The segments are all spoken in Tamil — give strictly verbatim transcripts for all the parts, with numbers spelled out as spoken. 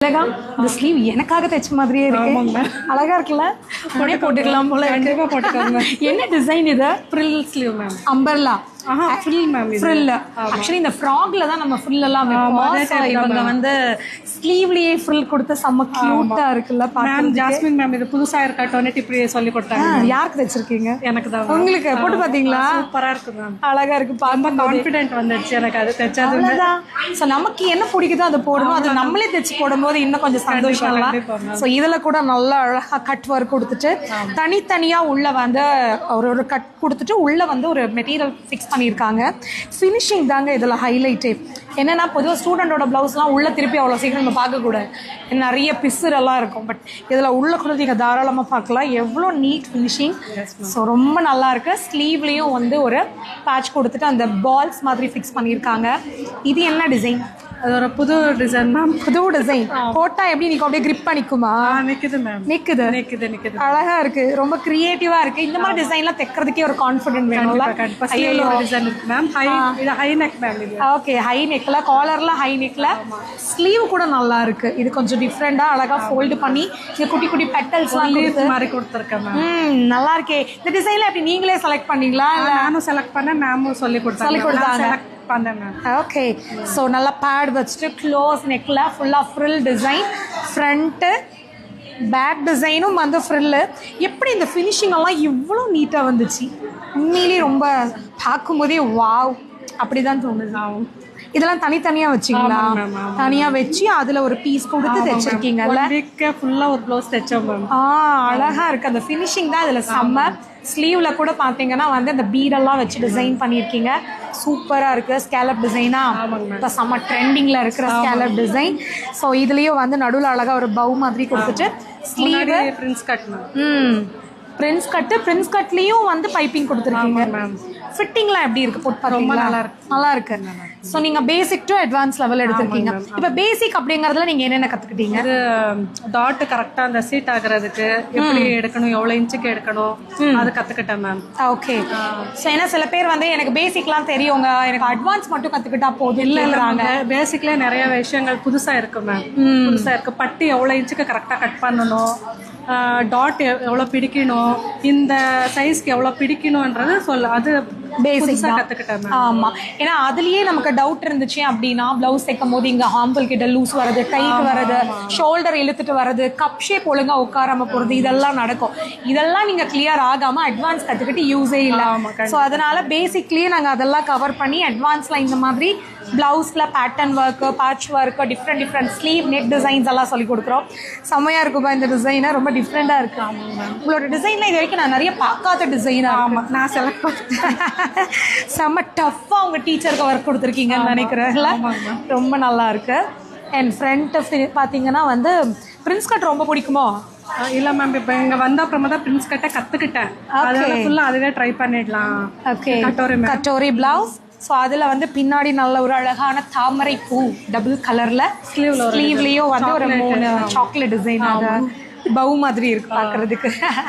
அழகா இந்த ஸ்லீவ் எனக்காக தைச்ச மாதிரியே இருக்கு. அழகா இருக்குல்ல, உடனே போட்டுக்கலாம் போல. கண்டிப்பா போட்டுக்கோங்க. என்ன டிசைன் இது? Frill sleeve ma'am. Umbrella frill ma'am. Frill. Actually இந்த ஃப்ராக்ல தான் நம்ம ஃப்ரில் எல்லாம் வைப்போம். இவங்க வந்து ஸ்லீவ்லயே ஃப்ரில் கொடுத்து செம்ம கியூட்டா இருக்குல்ல மேம். ஜாஸ்மின் மேம் இது புதுசா இருக்கா டொனட் இப்படி சொல்லி கொடுத்தாங்க. யாருக்கு தைச்சிருக்கீங்க? எனக்கு தான். உங்களுக்கு போட்டு பாத்தீங்களா? சூப்பரா இருக்கு மேம். அழகா இருக்கு. ரொம்ப கான்ஃபிடென்ட் வந்துடுச்சு எனக்கு அது தைச்சது. ஸோ நமக்கு என்ன பிடிக்குதோ அதை போடணும். அது நம்மளே தைச்சு போடும்போது இன்னும் கொஞ்சம் சந்தோஷம் இல்லை. ஸோ இதுல கூட நல்லா அழகா கட் ஒர்க் கொடுத்துட்டு தனித்தனியா உள்ள வந்து ஒரு ஒரு கட் கொடுத்துட்டு உள்ள வந்து ஒரு மெட்டீரியல் ஃபிக்ஸ் பண்ணியிருக்காங்க. ஃபினிஷிங் தாங்க இதில் ஹைலைட்டே. என்னென்னா பொதுவாக ஸ்டூடெண்டோட ப்ளவுஸ்லாம் உள்ளே திருப்பி அவ்வளோ சீக்கிரம் நம்ம பார்க்கக்கூடாது, நிறைய பிசுரெல்லாம் இருக்கும். பட் இதில் உள்ள கூட நீங்கள் தாராளமாக பார்க்கலாம். எவ்வளோ நீட் ஃபினிஷிங். ஸோ ரொம்ப நல்லா இருக்கு. ஸ்லீவ்லேயும் வந்து ஒரு பேட்ச் கொடுத்துட்டு அந்த பால்ஸ் மாதிரி ஃபிக்ஸ் பண்ணியிருக்காங்க. இது என்ன டிசைன்? அது ஒரு புது டிசைன் மேம். புது டிசைன் போட்டா எப்படி நீங்க அப்படியே கிரிப் பண்ணிக்குமா? நிக்குது மேம். நிக்குது நிக்குது நிக்குது. அழகா இருக்கு. ரொம்ப கிரியேட்டிவா இருக்கு. இந்த மாதிரி டிசைன்லாம் தைக்கிறதுக்கே ஒரு கான்ஃபிடென்ட் வேணும்ல. ஐயோ டிசைன் இருக்கு மேம். ஹை இது ஹை நெக் மேம். இது ஓகே, ஹை நெக்ல, காலர்ல ஹை நெக்ல. ஸ்லீவ் கூட நல்லா இருக்கு. இது கொஞ்சம் டிஃப்ரெண்டா அழகா ஃபோல்ட் பண்ணி இந்த குட்டி குட்டி பெட்டல்ஸ்லாம் கொடுத்து மாதிரி கொடுத்துருக்கேன் மேம். ம், நல்லா இருக்கே. இந்த டிசைன்ல எப்படி நீங்களே செலக்ட் பண்ணீங்களா? நானும் செலக்ட் பண்ணேன், மேமும் சொல்லி கொடுத்தாங்க. சொல்லி கொடுத்தாங்க. ஓகே. ஸோ நல்லா பேட் வச்சுட்டு க்ளோஸ் நெக்கில் ஃபுல்லாக ஃப்ரில் டிசைன், ஃப்ரண்ட்டு பேக் டிசைனும் வந்து ஃப்ரில்லு. எப்படி இந்த ஃபினிஷிங் எல்லாம் இவ்வளோ நீட்டாக வந்துச்சு? உண்மையிலேயே ரொம்ப பார்க்கும்போதே வாவ் அப்படி தான் தோணுது. இதெல்லாம் தனித்தனியா வச்சிங்களா? தனியா வச்சு அதுல ஒரு பீஸ் கொடுத்து தைச்சிருக்கீங்கல்ல. ஃபுல்லா ஒரு ப்ளவுஸ் தைச்சோம் மேம். ஆ, அழகா இருக்கு. அந்த ஃபினிஷிங் தான் இதுல செம்ம. ஸ்லீவ்ல கூட பாத்தீங்கன்னா வந்து அந்த பீடெல்லாம் வச்சு டிசைன் பண்ணியிருக்கீங்க. சூப்பரா இருக்கு. ஸ்கேலப் டிசைனா இப்போ செம்ம ட்ரெண்டிங்ல இருக்கிற ஸ்கேலப் டிசைன். ஸோ இதுலயும் வந்து நடுவில் அழகா ஒரு பவு மாதிரி கொடுத்துட்டு ஸ்லீவ் பிரின்ஸ் கட். ம், பிரின்ஸ் கட்டு. பிரின்ஸ் கட்லயும் வந்து பைப்பிங் கொடுத்துருக்கீங்க. ஃபிட்டிங்லாம் எப்படி இருக்கு? போட்டு பார்த்தீங்களா? நல்லா இருக்கு. நல்லா இருக்கு. ஸோ நீங்க பேசிக் டு அட்வான்ஸ் லெவல் எடுத்திருக்கீங்க. இப்போ பேசிக் அப்படிங்கறதுல நீங்க என்னென்ன கத்துக்கிட்டீங்க? இது டாட் கரெக்டா அந்த சீட் ஆகுறதுக்கு எப்படி எடுக்கணும், எவ்வளவு இன்ச்சுக்கு எடுக்கணும், அது கத்துக்கிட்டேன் மேம். ஓகே. ஸோ ஏன்னா சில பேர் வந்து எனக்கு பேசிக்லாம் தெரியுங்க, எனக்கு அட்வான்ஸ் மட்டும் கத்துக்கிட்டா போதும் இல்லைங்கிறாங்க. பேசிக்ல நிறைய விஷயங்கள் புதுசா இருக்கு மேம். புதுசா இருக்கு. பட்டி எவ்வளவு இன்ச்சுக்கு கரெக்டா கட் பண்ணணும், டாட் எவ்வளோ பிடிக்கணும், இந்த சைஸ்க்கு எவ்வளோ பிடிக்கணும்ன்றது சொல்ல, அது பேசிக்ஸாக கற்றுக்கிட்டேன். ஆமாம். ஏன்னா அதுலேயே நமக்கு டவுட் இருந்துச்சு அப்படின்னா ப்ளவுஸ் தைக்கும் போது இங்கே ஹாம்பிள் கிட்ட லூஸ் வர்றது, டைட் வர்றது, ஷோல்டர் இழுத்துட்டு வர்றது, கப் ஷேப் ஒழுங்காக உட்காராம போகிறது, இதெல்லாம் நடக்கும். இதெல்லாம் நீங்கள் கிளியர் ஆகாமல் அட்வான்ஸ் கற்றுக்கிட்டு யூஸே இல்லை. ஸோ அதனால பேசிக்லேயே நாங்கள் அதெல்லாம் கவர் பண்ணி அட்வான்ஸில் இந்த மாதிரி ப்ளவுஸில் pattern work, patch work, different different sleeve neck designs எல்லாம் சொல்லி கொடுக்குறோம். செம்மையாக இருக்குப்பா இந்த டிசைனை. ரொம்ப டிஃப்ரெண்டாக இருக்கு. உங்களோட டிசைனில் இது வரைக்கும் நான் நிறைய பார்க்காத டிசைனாக. ஆமாம், நான் செலக்ட் பண்ணேன். செம்ம டஃப்பாக உங்கள் டீச்சருக்கு ஒர்க் கொடுத்துருக்கீங்கன்னு நினைக்கிறேன்ல. ரொம்ப நல்லா இருக்கு. அண்ட் ஃப்ரண்ட் பார்த்தீங்கன்னா வந்து பிரின்ஸ் கட் ரொம்ப பிடிக்குமோ? இல்லை மேம், இப்போ இங்கே வந்த அப்புறமா தான் பிரின்ஸ் கட்டை கற்றுக்கிட்டேன். அதனால ஃபுல்லாக அதுவே ட்ரை பண்ணிடலாம். Okay. Katori katori blouse. So அதில் வந்து பின்னாடி நல்ல ஒரு அழகான தாமரை பூ டபுள் கலரில் ஸ்லீவ்ல ஸ்லீவ்லேயும் வந்து ஒரு மூணு சாக்லேட் டிசைன், அது பவு மாதிரி இருக்கு பார்க்கறதுக்கு.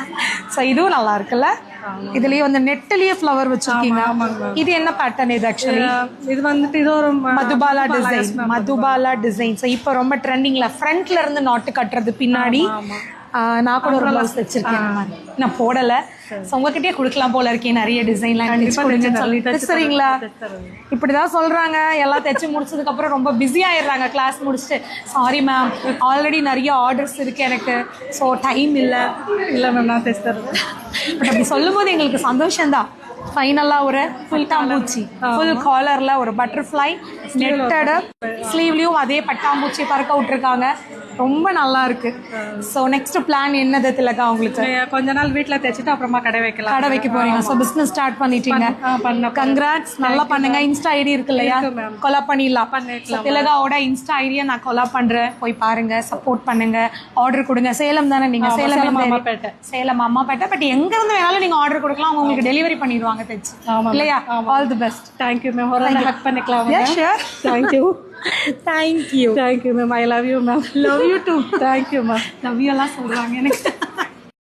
ஸோ இதுவும் நல்லா இருக்குல்ல. இதுலயே வந்து நெட்லயே ஃப்ளவர் வச்சிருக்கீங்க. இது என்ன பேட்டர்ன்? இது ஆக்சுவலி இது வந்துட்டு இது ஒரு Madhubala design. Madhubala design. So இப்போ ரொம்ப ட்ரெண்டிங்ல ஃப்ரண்ட்ல இருந்து நாட்டு கட்டுறது பின்னாடி. நான் கூட ஒரு ப்ளவுஸ் வச்சிருக்கேன், நான் போடலை. ஸோ உங்ககிட்டயே கொடுக்கலாம் போல இருக்கேன் நிறைய டிசைன்லாம் சொல்லிட்டு. சரிங்களா? இப்படிதான் சொல்றாங்க. எல்லாம் தைச்சு முடிச்சதுக்கு அப்புறம் ரொம்ப பிஸி ஆயிடுறாங்க கிளாஸ் முடிச்சுட்டு. சாரி மேம், ஆல்ரெடி நிறைய ஆர்டர்ஸ் இருக்கு எனக்கு, ஸோ டைம் இல்லை. இல்லை மேம், நான் தைச்சு தரேன். பட் அப்படி சொல்லும் போது எங்களுக்கு சந்தோஷம்தான். ஃபைனலாக ஒரு ஃபுல் பட்டாம்பூச்சி, ஃபுல் காலரில் ஒரு பட்டர்ஃப்ளை நெட்டடு, ஸ்லீவ்லேயும் அதே பட்டாம்பூச்சி பறக்க விட்டுருக்காங்க. ரொம்ப நல்லா இருக்கு. ஸோ நெக்ஸ்ட் பிளான் என்னது திலகா உங்களுக்கு? கொஞ்ச நாள் வீட்டில் தைச்சிட்டு அப்புறமா கடை வைக்கலாம். கடை வைக்க போறீங்க. ஸோ பிஸ்னஸ் ஸ்டார்ட் பண்ணிட்டீங்க. கங்க்ராட்ஸ். நல்லா பண்ணுங்க. இன்ஸ்டா ஐடி இருக்கு இல்லையா? கொலா பண்ணிடலாம். திலகாவோட இன்ஸ்டா ஐடியை நான் கொலா பண்றேன். போய் பாருங்க, சப்போர்ட் பண்ணுங்க, ஆர்டர் கொடுங்க. சேலம் தானே நீங்க? சேலம் அம்மாப்பேட்டை. சேலம் அம்மாப்பேட்டை. பட் எங்க இருந்து வேணாலும் நீங்க ஆர்டர் கொடுக்கலாம், அவங்க உங்களுக்கு டெலிவரி பண்ணிடுவாங்க தைச்சு இல்லையா? All the best. Thank you ma'am. ஒரு நாள் ஹக் பண்ணிக்கலாம். Thank you. Thank you. Thank you, ma'am. I love you, ma'am. Love you too. Thank you, ma'am. Love you எல்லாம் சொல்றாங்க எனக்கு.